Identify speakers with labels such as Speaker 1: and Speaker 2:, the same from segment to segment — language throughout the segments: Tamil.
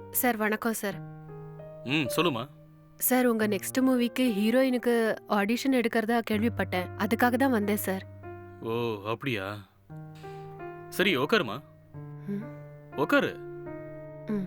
Speaker 1: சார் வணக்கம் சார்.
Speaker 2: சொல்லுமா.
Speaker 1: சார் உங்க நெக்ஸ்ட் மூவிக்கு ஹீரோயினுக்கு ஆடிஷன் எடுக்கிறதா கேள்விப்பட்டேன். அதுக்காக தான் வந்தேன் சார்.
Speaker 2: ஓ அப்படியா? சரி உக்காருமா.
Speaker 1: ம்.
Speaker 2: உக்காரு.
Speaker 1: ம்.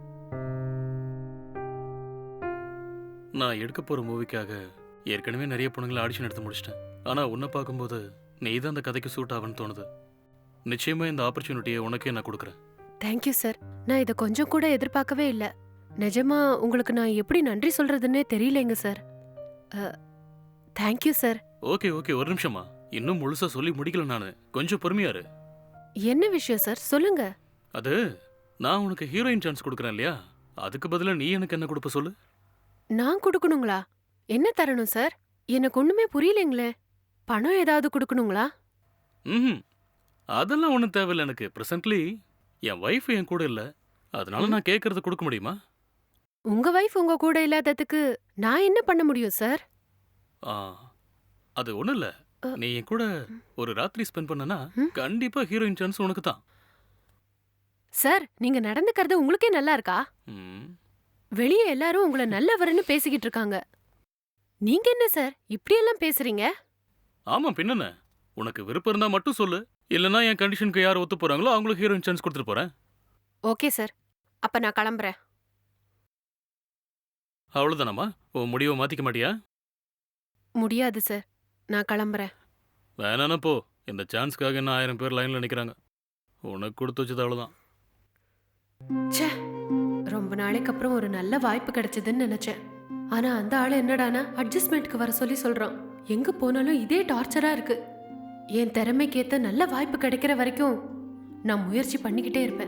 Speaker 2: நான் எடுக்க போற மூவிக்காக ஏற்கனவே நிறைய பொண்ணுங்களை ஆடிஷன் எடுத்து முடிச்சிட்டேன். ஆனா உன்னை பார்க்கும்போது நீ தான் அந்த கதைக்கு சூட் ஆகுன்னு தோணுது. நிச்சயமா இந்த ஆப்பர்ச்சுனிட்டியை உனக்கே நான் கொடுக்குறேன்.
Speaker 1: Thank you sir. நான் இதை கொஞ்சம் கூட எதிர்பார்க்கவே இல்லை. நிஜமா உங்களுக்கு நான் எப்படி நன்றி சொல்றதுன்னே தெரியலைங்க sir. Thank you sir.
Speaker 2: Okay okay, ஒரு நிமிஷமா. இன்னும் முழுசா சொல்லி முடிக்கல நானு. கொஞ்சம் பொறுமையா இரு.
Speaker 1: என்ன விஷயம் சார், சொல்லுங்க.
Speaker 2: அது நான் உனக்கு ஹீரோயின் சான்ஸ் கொடுக்குறேன் இல்லையா, அதுக்கு பதிலா நீ எனக்கு என்ன கொடுப்ப சொல்லு.
Speaker 1: நான் கொடுக்கணுங்களா? என்ன தரணும் சார்? எனக்கு ஒண்ணுமே புரியலைங்களே. பணம் ஏதாவது கொடுக்கணுங்களா?
Speaker 2: ம், அதெல்லாம் ஒன்றும் தேவையில்லை எனக்கு. ப்ரெசன்ட்லி என் ஒய்ஃப் என் கூட இல்லை, அதனால நான் கேட்கறத கொடுக்க முடியுமா?
Speaker 1: உங்க வைஃப் உங்க கூட இல்லாததுக்கு நான் என்ன பண்ண முடியும் சார்?
Speaker 2: ஆ, அது ஒன்றும் இல்லை.
Speaker 1: அ.
Speaker 2: நீ என் கூட ஒரு ராத்திரி ஸ்பெண்ட் பண்ணனா
Speaker 1: ம்.
Speaker 2: கண்டிப்பா ஹீரோயின் சான்ஸ் உனக்கு தான்.
Speaker 1: சார், நீங்க நடந்துக்கிறது உங்களுக்கே நல்லா இருக்கா?
Speaker 2: ம்,
Speaker 1: வெளியே எல்லாரும் உங்களை நல்லவர்னு பேசிக்கிட்டு இருக்காங்க. நீங்க என்ன சார் இப்படியெல்லாம் பேசுறீங்க?
Speaker 2: ஆமா பின்னென்ன. உனக்கு விருப்பம் இருந்தா மட்டும் சொல்லு, இல்லைன்னா என் கண்டிஷனுக்கு யார் ஒத்து போறாங்களோ அவங்களுக்கு ஹீரோயின் சான்ஸ் கொடுத்துட்டு போறேன்.
Speaker 1: ஓகே சார், அப்ப நான் கிளம்புறேன்.
Speaker 2: அவ்வளோதானம்மா? உன் முடிவை மாத்திக்க மாட்டியா?
Speaker 1: முடியாது சார், நான் கிளம்புறேன்.
Speaker 2: வேணானா போ. இந்த சான்ஸ்க்காக என்ன 1000 பேர் லைன்ல நிக்கிறாங்க. உனக்கு கொடுத்து வச்சது அவ்வளோதான்.
Speaker 1: ச்சே, ரொம்ப நாளைக்கு அப்புறம் ஒரு நல்ல வாய்ப்பு கிடைச்சதுன்னு நினைச்சேன். ஆனா அந்த ஆளு என்னடானா அட்ஜஸ்ட்மெண்ட்க்கு வர சொல்லி சொல்றான். எங்க போனாலும் இதே டார்ச்சரா இருக்கு. என் திறமைக்கேத்த நல்ல வாய்ப்பு கிடைக்கிற வரைக்கும் நான் முயற்சி பண்ணிக்கிட்டே இருப்பேன்.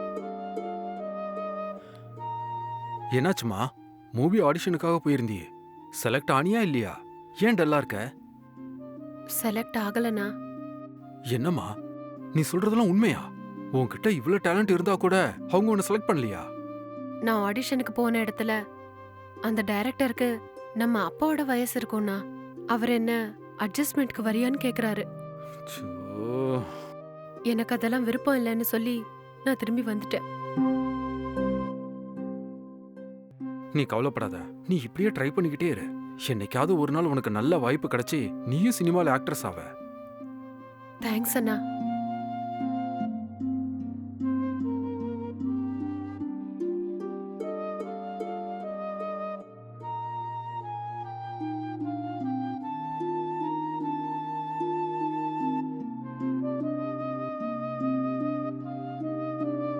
Speaker 3: என்னாச்சுமா? மூவி ஆடிஷனுக்காக போயிருந்தியே, செலக்ட் ஆனியா இல்லையா? ஏன் டல்லா இருக்க?
Speaker 1: செலக்ட் ஆகலனா?
Speaker 3: என்னம்மா நீ சொல்றதெல்லாம் உண்மையா? உன்கிட்ட இவ்ளோ டேலண்ட் இருந்தா கூட அவங்க உன்னை செலக்ட் பண்ணலையா?
Speaker 1: நான் ஆடிஷனுக்கு போன இடத்துல அந்த டைரக்டருக்கு நம்ம அப்பாவோட வயசு இருக்கும்னா அவர் என்ன அட்ஜஸ்ட்மெண்ட்க்கு வரியான்னு கேக்குறாரு.
Speaker 3: ச்சோ.
Speaker 1: எனக்கு அதெல்லாம் விருப்பம் இல்லைன்னு சொல்லி நான் திரும்பி வந்துட்டேன்.
Speaker 3: நீ கவலைப்படாத, நீ இப்படியே ட்ரை பண்ணிக்கிட்டே இரு. என்னைக்காவது ஒரு நாள் உனக்கு நல்ல வாய்ப்பு கிடைச்சி நீயும் சினிமால ஆக்ட்ரஸ் ஆவ.
Speaker 1: தேங்க்ஸ் அண்ணா.